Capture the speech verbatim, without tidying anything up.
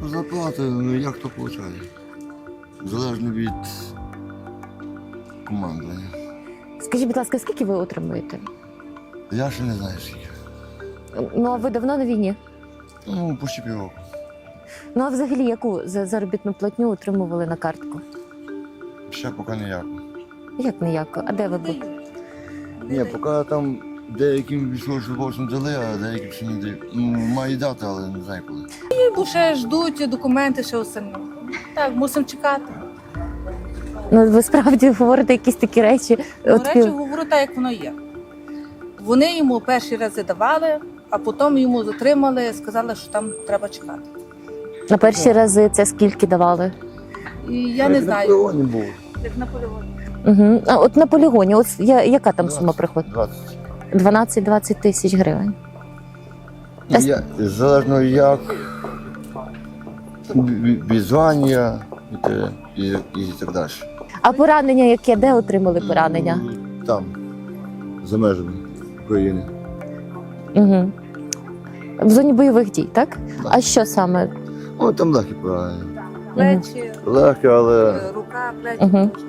Зарплата, ну як хто отримує. Залежно від командування. Скажіть, будь ласка, скільки ви отримуєте? Я ще не знаю скільки. Ну, а ви давно на війні? Ну, почти півроку. Ну, а взагалі, яку за заробітну платню отримували на картку? Ще поки ніяк. Як ніяко? А де ви були? Ні, поки там деяким військовослужбовцям дали, а деяким ще не дають. Ну, має дати, але не знаю коли. Бо ще ждуть документи, ще остальне. Так, мусимо чекати. Ну, ви справді говорите якісь такі речі. До От, речі, говорю так, як воно є. Вони йому перші рази давали, а потім йому затримали, сказали, що там треба чекати. на перші рази це скільки давали? І я не Як знаю, На полігоні був. як на полігоні. Угу. А от на полігоні, от я, яка там сума приходить? двадцять. дванадцять-двадцять тисяч гривень. Ну, я, залежно як від від звання і, те- і, і так далі. А поранення яке? Де отримали поранення? Там, за межами України. Угу. В зоні бойових дій, так? А що саме? О, там легкі поранення. Плечі, Легкі, але е, рука, плечі. Угу.